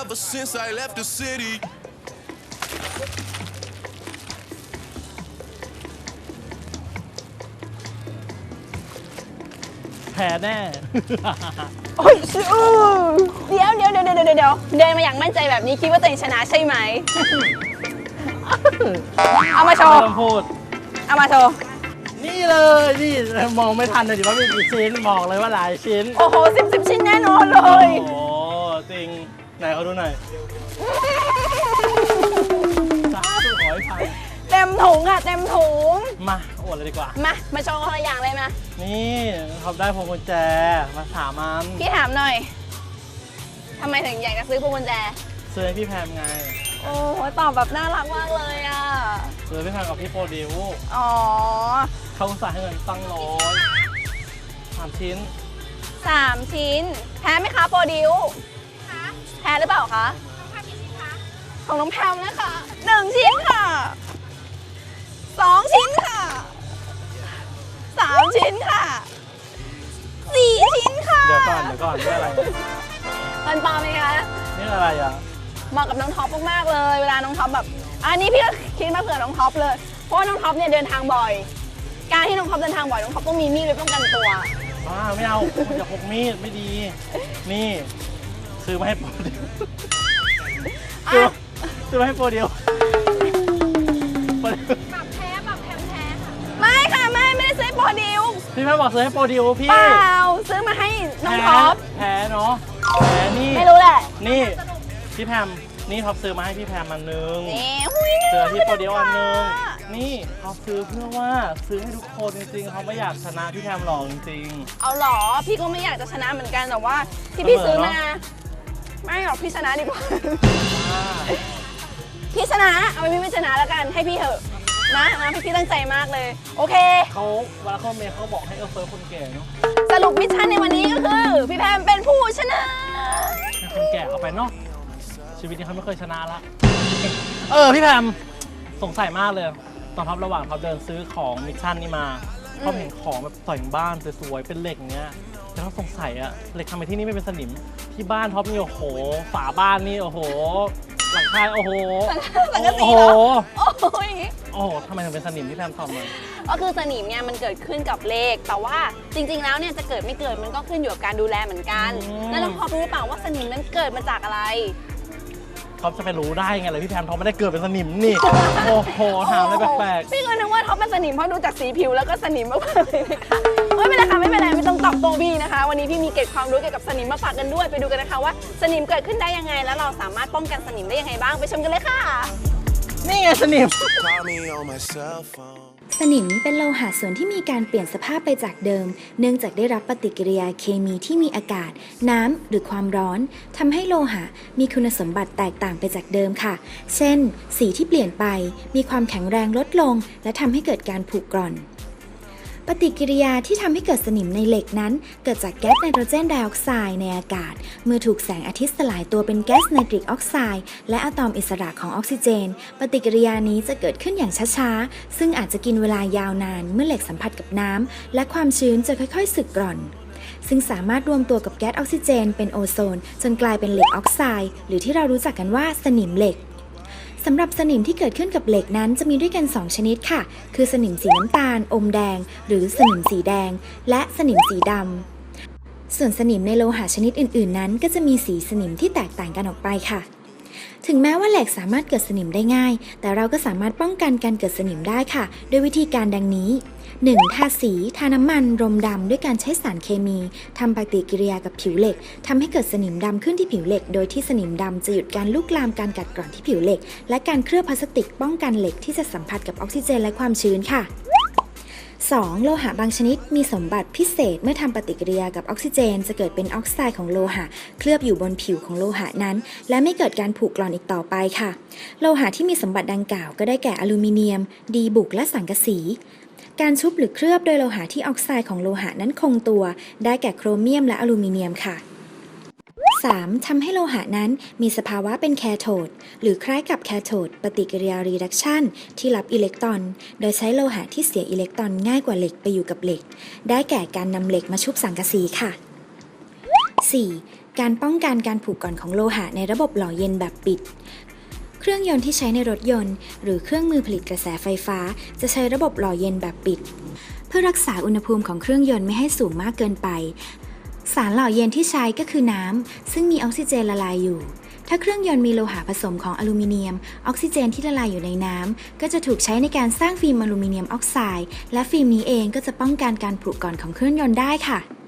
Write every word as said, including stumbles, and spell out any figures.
ever since I left the city. แพ้แน่โอ้ยอู้เดี๋ยวเดี๋ยวเดี๋ยวเดี๋ยวเดี๋ยวเดินมาอย่างมั่นใจแบบนี้คิดว่าตัวเองชนะใช่ไหม เอามาโชไม่ว์ต้องพูดเอามาโชว์นี่เลยนี่มองไม่ทันเลยดิว่ามีกี่ชิ้นบอกเลยว่าหลายชิ้นโอ้โหสิบสิบชิ้นแน่นอนเลยโอ้โหจริงไหนเขาดูหน่อยสาธุขอให้พังเต็มถุงอะเต็มถุงมาอวดเลยดีกว่ามา มาโชว์คนละอย่างเลยมานี่เขาได้พวงกุญแจมาสามอันพี่ถามหน่อยทำไมถึงอยากจะซื้อพวงกุญแจซื้อให้พี่แพมไงโอ้โหตอบแบบน่ารักมากเลยอะซื้อพี่แพมกับพี่โปรดิวอ๋อเขาอุตส่าห์ให้เงินตั้งร้อยสามชิ้นสามชิ้น แพ้ไหมคะโปรดิวแพ้หรือเปล่าคะของน้องแพมนะคะหนึ่งชิ้นค่ะสองชิ้นค่ะสามชิ้นค่ะสี่ชิ้นค่ะเดี๋ยวก่อนเดี๋ยวก่อนนี่อะไรมันปลอมไหมคะนี่อะไรอ่ะเหมาะกับน้องท็อปมากๆเลยเวลาน้องท็อปแบบอันนี้พี่ก็คิดมาเผื่อน้องท็อปเลยเพราะว่าน้องท็อปเนี่ยเดินทางบ่อย การที่น้องท็อปเดินทางบ่อยน้องท็อปต้องมีมีดไว้ป้องกันตัวบ้าไม่เอาคุณจะพกมีดไม่ดี นี่ซื้อมาให้โปรดิวซื้อซื้อมาให้โปรดิวโปรดิวไม่ค่ะไม่ไม่ได้ซื้อให้โปรดิวพี่แพมบอกซื้อให้โปรดิวพี่เปล่าซื้อมาให้น้องท็อปแพ้เนาะแพ้นี่ไม่รู้แหละนี่พี่แพมนี่ท็อปซื้อมาให้พี่แพมอันนึงนี่หุ้ยเจอที่โปรดิวอันนึงค่ะนี่เขาซื้อเพื่อว่าซื้อให้ทุกคนจริงๆเขาไม่อยากชนะพี่แพมหรอกจริงเอาหรอพี่ก็ไม่อยากจะชนะเหมือนกันแต่ว่าที่พี่เสมอซื้อมาเนอะไม่หรอกพี่ชนะดีกว่าๆอ่าพี่ชนะเอาไปพี่ไม่ชนะแล้วกันให้พี่เถอะนะนะพี่พี่ตั้งใจมากเลย โอเคเขาเวลาเขาเมย์เขาบอกให้เออเฟิร์สคนแก่เนาะสรุปมิชชั่นในวันนี้ก็คือพี่แพมเป็นผู้ชนะให้คนแก่เอาไปเนาะชีวิตนี้เขาไม่เคยชนะละเออพี่แพมสงสัยมากเลยตอนท็อประหว่างเขาเดินซื้อของมิชชั่นนี่มาเขาเห็นของแบบแต่งบ้านสวยๆเป็นเหล็กเงี้ยแล้วเขาสงสัยอะเหล็กทำไมที่นี่ไม่เป็นสนิมที่บ้านท็อปนี่โอ้โหฝาบ้านนี่โอ้โหหลังคาโอ้โหสังกะสีโอ้โหเหรอโอ้ยโอ้โหทำไมถึงเป็นสนิมที่แพมตอบมาก็คือสนิมเนี่ยมันเกิดขึ้นกับเลขแต่ว่าจริงๆแล้วเนี่ยจะเกิดไม่เกิดมันก็ขึ้นอยู่กับการดูแลเหมือนกันแล้วน้องพอรู้หรือเปล่าว่าสนิมนั้นเกิดมาจากอะไรท็อปจะไปรู้ได้ไงเลยพี่แพมท็อปไม่ได้เกิดเป็นสนิมนี่ โอ้โหถามอะไรแปลกพี่ก็นึกว่าท็อปเป็นสนิมเพราะดูจากสีผิวแล้วก็สนิมมากๆเลยนะคะไม่เป็นไรค่ะไม่เป็นไรไม่ต้องตอบโต้พี่นะคะ วันนี้พี่มีเกร็ดความรู้เกี่ยวกับสนิมมาฝากกันด้วยไปดูกันนะคะว่าสนิมเกิดขึ้นได้ยังไง แล้วเราสามารถป้องกันสนิมได้ยังไงบ้างไปชมกันเลยค่ะๆนี่ไงสนิม Call me on my cell phone. สนิมเป็นโลหะส่วนที่มีการเปลี่ยนสภาพไปจากเดิม เนื่องจากได้รับปฏิกิริยาเคมีที่มีอากาศ น้ำหรือความร้อนทำให้โลหะมีคุณสมบัติแตกต่างไปจากเดิมค่ะ เช่น สีที่เปลี่ยนไปมีความแข็งแรงลดลง และทำให้เกิดการผุกร่อน ปฏิกิริยาที่ทำให้เกิดสนิมในเหล็กนั้น เกิดจากแก๊สไนโตรเจนไดออกไซด์ในอากาศ เมื่อถูกแสงอาทิตย์สลายตัวเป็นแก๊สไนตริกออกไซด์และอะตอมอิสระของออกซิเจน ปฏิกิริยานี้จะเกิดขึ้นอย่างช้าๆ ซึ่งอาจจะกินเวลายาวนานเมื่อเหล็กสัมผัสกับน้ำและความชื้นจะค่อยๆสึกกร่อน ซึ่งสามารถรวมตัวกับแก๊สออกซิเจนเป็นโอโซนจนกลายเป็นเหล็กออกไซด์หรือที่เรารู้จักกันว่าสนิมเหล็กสำหรับสนิมที่เกิดขึ้นกับเหล็กนั้นจะมีด้วยกันสองชนิดค่ะ คือสนิมสีน้ำตาล อมแดง หรือสนิมสีแดง และสนิมสีดำ ส่วนสนิมในโลหะชนิดอื่นๆนั้นก็จะมีสีสนิมที่แตกต่างกันออกไปค่ะ ถึงแม้ว่าเหล็กสามารถเกิดสนิมได้ง่าย แต่เราก็สามารถป้องกันการเกิดสนิมได้ค่ะ โดยวิธีการดังนี้ หนึ่ง ทาสี ทาน้ำมัน รมดำด้วยการใช้สารเคมีทำปฏิกิริยากับผิวเหล็กทำให้เกิดสนิมดำขึ้นที่ผิวเหล็ก โดยที่สนิมดำจะหยุดการลุกลามการกัดกร่อนที่ผิวเหล็ก และการเคลือบพลาสติกป้องกันเหล็กที่จะสัมผัสกับออกซิเจนและความชื้นค่ะ สอง โลหะบางชนิดมีสมบัติพิเศษเมื่อทำปฏิกิริยากับออกซิเจนจะเกิดเป็นออกไซด์ของโลหะเคลือบอยู่บนผิวของโลหะนั้นและไม่เกิดการผุกร่อนอีกต่อไปค่ะโลหะที่มีสมบัติดังกล่าวก็ได้แก่อลูมิเนียมดีบุกและสังกะสีการชุบหรือเคลือบโดยโลหะที่ออกไซด์ของโลหะนั้นคงตัวได้แก่โครเมียมและอลูมิเนียมค่ะสาม ทำให้โลหะนั้นมีสภาวะเป็นแคโทดหรือคล้ายกับแคโทดปฏิกิริยารีดักชันที่รับอิเล็กตรอนโดยใช้โลหะที่เสียอิเล็กตรอนง่ายกว่าเหล็กไปอยู่กับเหล็กได้แก่การนำเหล็กมาชุบสังกะสีค่ะสี่ การป้องกันการผุกร่อนของโลหะในระบบหล่อเย็นแบบปิด เครื่องยนต์ที่ใช้ในรถยนต์หรือเครื่องมือผลิตกระแสไฟฟ้าจะใช้ระบบหล่อเย็นแบบปิด เพื่อรักษาอุณหภูมิของเครื่องยนต์ไม่ให้สูงมากเกินไป สารหล่อเย็นที่ใช้ก็คือน้ำซึ่งมีออกซิเจนละลายอยู่ ถ้าเครื่องยนต์มีโลหะผสมของอลูมิเนียมออกซิเจนที่ละลายอยู่ในน้ำก็จะถูกใช้ในการสร้างฟิล์มอลูมิเนียมออกไซด์และฟิล์มนี้เองก็จะป้องกันการผุกร่อนของเครื่องยนต์ได้ค่ะ